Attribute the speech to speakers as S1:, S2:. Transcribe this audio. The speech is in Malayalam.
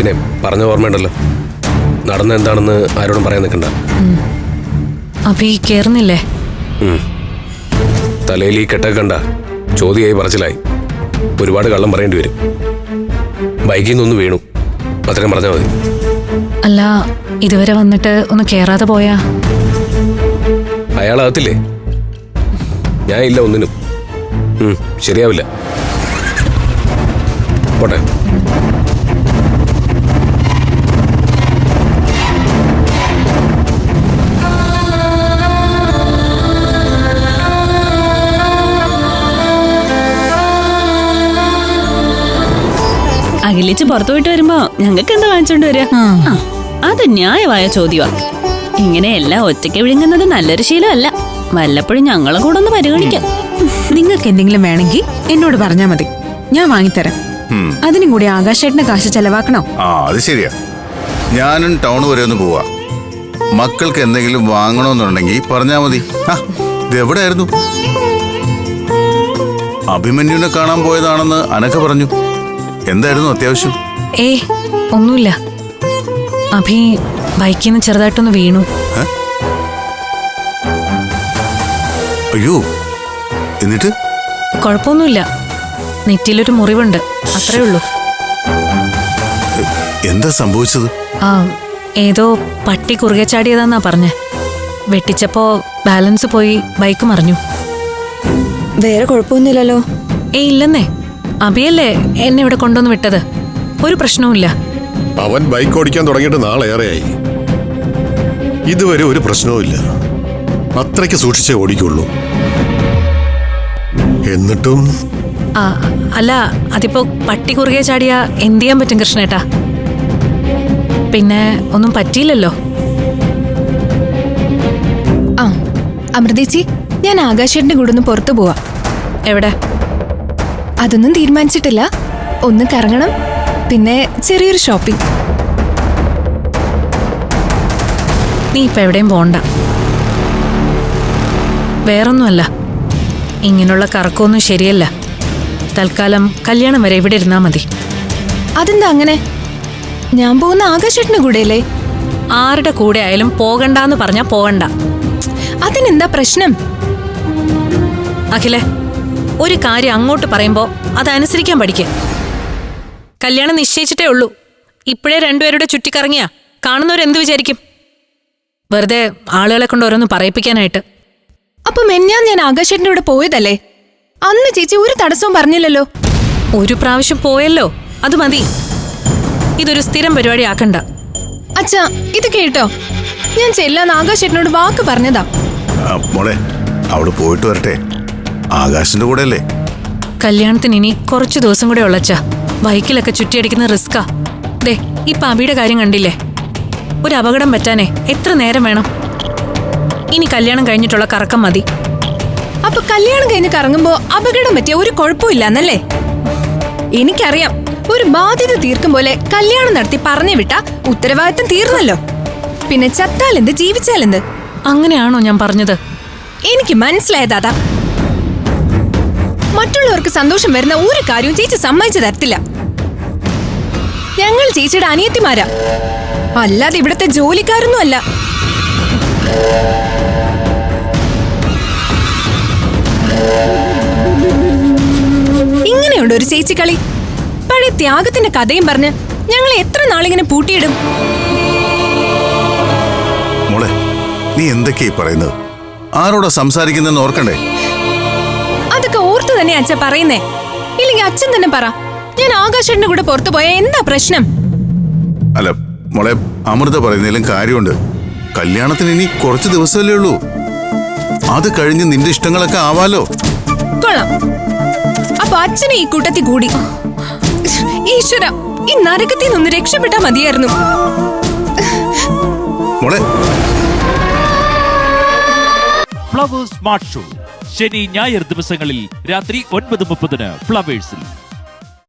S1: പിന്നെ പറഞ്ഞ ഓർമ്മയുണ്ടല്ലോ, നടന്ന എന്താണെന്ന് ആരോടും പറയാൻ നിൽക്കണ്ട.
S2: അഭി കേറുന്നില്ലേ?
S1: തലയിൽ ഈ കെട്ടൊക്കെ കണ്ട ചോദ്യമായി പറച്ചിലായി. ഒരുപാട് കള്ളം പറയേണ്ടി വരും. ബൈക്കിൽ നിന്നൊന്ന് വീണു, അത്രയും പറഞ്ഞാൽ മതി.
S2: അല്ല, ഇതുവരെ വന്നിട്ട് ഒന്ന് കേറാതെ പോയാ?
S1: അയാളാകത്തില്ലേ? ഞാൻ ഇല്ല ഒന്നിനും. ശരിയാവില്ല. പോട്ടെ.
S3: അഖിലിച്ച് പുറത്തു പോയിട്ട് വരുമ്പോ ഞങ്ങൾക്ക് എന്താ വാങ്ങിച്ചോണ്ട് വരിക? അത് ന്യായമായ ചോദ്യമാ. ഇങ്ങനെ എല്ലാം ഒറ്റയ്ക്ക് വിഴുങ്ങുന്നത് നല്ലൊരു ശീലമല്ല. വല്ലപ്പോഴും ഞങ്ങളെ കൂടെ ഒന്ന് പരിഗണിക്കാം.
S4: നിങ്ങൾക്ക് എന്തെങ്കിലും വേണമെങ്കിൽ എന്നോട് പറഞ്ഞാ മതി, ഞാൻ വാങ്ങിത്തരാം. അതിനും കൂടി ആകാശേട്ടന് കാശ് ചെലവാക്കണോ?
S5: അത് ശരിയാ. ഞാനും ടൗൺ വരെ ഒന്ന് പോവാ. മക്കൾക്ക് എന്തെങ്കിലും വാങ്ങണമെന്നുണ്ടെങ്കിൽ പറഞ്ഞാ മതി. ഇതെവിടെയായിരുന്നു? അഭിമന്യുവിനെ കാണാൻ പോയതാണെന്ന് അനക്ക പറഞ്ഞു. എന്തായിരുന്നു അത്യാവശ്യം?
S2: ഒന്നുമില്ല. അഭി ബൈക്കിൽ നിന്ന് ചെറുതായിട്ടൊന്ന് വീണു.
S5: അയ്യോ, എന്നിട്ട്?
S2: കുഴപ്പമൊന്നുമില്ല, നെറ്റിയിലൊരു മുറിവുണ്ട്, അത്രേ ഉള്ളൂ.
S5: എന്താ സംഭവിച്ചത്?
S2: ഏതോ പട്ടി കുറുകെ ചാടിയതാന്നാ പറഞ്ഞേ. വെട്ടിച്ചപ്പോ ബാലൻസ് പോയി ബൈക്ക് മറിഞ്ഞു.
S6: വേറെ കുഴപ്പമൊന്നുമില്ലല്ലോ?
S2: ഇല്ലെന്നേ. അഭിയല്ലേ എന്നെ ഇവിടെ കൊണ്ടുവന്ന് വിട്ടത്. ഒരു പ്രശ്നവുമില്ല.
S7: അവൻ ബൈക്ക് ഓടിക്കാൻ തുടങ്ങിയിട്ട് നാളേറെയായി. ഇതുവരെ ഒരു പ്രശ്നവുമില്ല. അത്രയ്ക്ക് സൂക്ഷിച്ചേ ഓടിക്കുള്ളൂ. എന്നിട്ടും
S2: അല്ല, അതിപ്പോ പട്ടി കുറുകെ ചാടിയാ എന്ത് ചെയ്യാൻ പറ്റും കൃഷ്ണേട്ടാ? പിന്നെ ഒന്നും പറ്റിയില്ലല്ലോ.
S6: അമൃതേച്ചി, ഞാൻ ആകാശേട്ടന്റെ കൂടെ ഒന്ന് പുറത്തു പോവാ.
S2: എവിടെ?
S6: അതൊന്നും തീരുമാനിച്ചിട്ടില്ല. ഒന്ന് കറങ്ങണം, പിന്നെ ചെറിയൊരു ഷോപ്പിംഗ്.
S2: നീ ഇപ്പൊ എവിടെയും പോണ്ട. വേറൊന്നുമല്ല, ഇങ്ങനെയുള്ള കറക്കമൊന്നും ശരിയല്ല. തൽക്കാലം കല്യാണം വരെ ഇവിടെ ഇരുന്നാ മതി.
S6: അതെന്താ അങ്ങനെ? ഞാൻ പോകുന്ന ആകാശേട്ടന്റെ കൂടെയല്ലേ?
S2: ആരുടെ കൂടെ ആയാലും പോകണ്ടെന്ന് പറഞ്ഞാ പോകണ്ട.
S6: അതിനെന്താ പ്രശ്നം?
S2: അഖിലേ, ഒരു കാര്യം അങ്ങോട്ട് പറയുമ്പോ അതനുസരിക്കാൻ പഠിക്കുക. കല്യാണം നിശ്ചയിച്ചിട്ടേ ഉള്ളൂ. ഇപ്പോഴേ രണ്ടുപേരുടെ ചുറ്റിക്കറങ്ങിയാ കാണുന്നവരെന്ത് വിചാരിക്കും? വെറുതെ ആളുകളെ കൊണ്ട് ഓരോന്ന് പറയിപ്പിക്കാനായിട്ട്.
S6: അപ്പൊ ഞാൻ ആകാശേട്ടന്റെ കൂടെ പോയതല്ലേ? അന്ന് ചേച്ചി ഒരു തടസ്സവും പറഞ്ഞില്ലല്ലോ.
S2: ഒരു പ്രാവശ്യം പോയല്ലോ, അത് മതി. ഇതൊരു സ്ഥിരം പരിപാടി ആക്കണ്ട.
S6: അച്ഛാ, ഇത് കേട്ടോ, ഞാൻ ചെല്ലാന്ന് ആകാശേട്ടനോട് വാക്ക് പറഞ്ഞതാ.
S5: മോളെ, അവിടെ പോയിട്ട് വരട്ടെ. ആകാശിന്റെ കൂടെ അല്ലേ?
S2: കല്യാണത്തിന് ഇനി കുറച്ചു ദിവസം കൂടെ ഉള്ളച്ചാ. ബൈക്കിലൊക്കെ ചുറ്റിയടിക്കുന്ന റിസ്കാ. ദേ, ഇപ്പൊ അബിയുടെ കാര്യം കണ്ടില്ലേ? ഒരു അപകടം പറ്റാനേ എത്ര നേരം വേണം? ഇനി കല്യാണം കഴിഞ്ഞിട്ടുള്ള കറക്കം മതി.
S6: അപ്പൊ കല്യാണം കഴിഞ്ഞ് കറങ്ങുമ്പോ അപകടം പറ്റിയ ഒരു കുഴപ്പമില്ലെന്നല്ലേ? എനിക്കറിയാം, ഒരു ബാധ്യത തീർക്കും പോലെ കല്യാണം നടത്തി പറഞ്ഞു വിട്ടാ ഉത്തരവാദിത്തം തീർന്നല്ലോ. പിന്നെ ചത്താലെന്ത്, ജീവിച്ചാലെന്ത്?
S2: അങ്ങനെയാണോ ഞാൻ പറഞ്ഞത്?
S6: എനിക്ക് മനസ്സിലായതാ. മറ്റുള്ളവർക്ക് സന്തോഷം വരുന്ന ഒരു കാര്യവും ചേച്ചി സമ്മതിച്ചു തരത്തില്ല. ഞങ്ങൾ ചേച്ചിയുടെ അനിയത്തിമാരാ, അല്ലാതെ ഇവിടത്തെ ജോലിക്കാരൊന്നും അല്ല. ഇങ്ങനെയുണ്ട് ഒരു ചേച്ചി കളി. പഴയ ത്യാഗത്തിന്റെ കഥയും പറഞ്ഞ് ഞങ്ങൾ എത്ര നാളിങ്ങനെ പൂട്ടിയിടും?
S5: മോളെ, നീ എന്തൊക്കെയാ പറയുന്നത്? ആരോടാ സംസാരിക്കുന്നെന്ന് ഓർക്കണ്ടേ?
S6: അതൊക്കെ ഓർത്തു തന്നെ അച്ഛൻ പറയുന്നേ. ഇല്ലെങ്കിൽ അച്ഛൻ തന്നെ പറ, ഞാൻ ആകാശേട്ടന്റെ കൂടെ പുറത്തു പോയാ എന്താ പ്രശ്നം?
S5: അല്ല മോളെ, അമൃത പറയുന്നതിലും കാര്യമുണ്ട്. കല്യാണത്തിന് ഇനി കുറച്ച് ദിവസമല്ലേ ഉള്ളൂ. അത് കഴിഞ്ഞ് നിന്റെ ഇഷ്ടങ്ങളൊക്കെ ആവാലോ.
S6: കൊള്ളാം. അപ്പൊ അച്ഛനെ ഈ കൂട്ടത്തിൽ കൂടി. ഈശ്വര, ഈ നരകത്തിൽ നിന്ന് രക്ഷപ്പെട്ടാ മതിയായിരുന്നു.
S5: മോളെ,
S8: ഫ്ലവേഴ്സ് സ്മാർട്ട് ഷോ ശനി ഞായർ ദിവസങ്ങളിൽ രാത്രി 9:30 ഫ്ലവേഴ്സിൽ.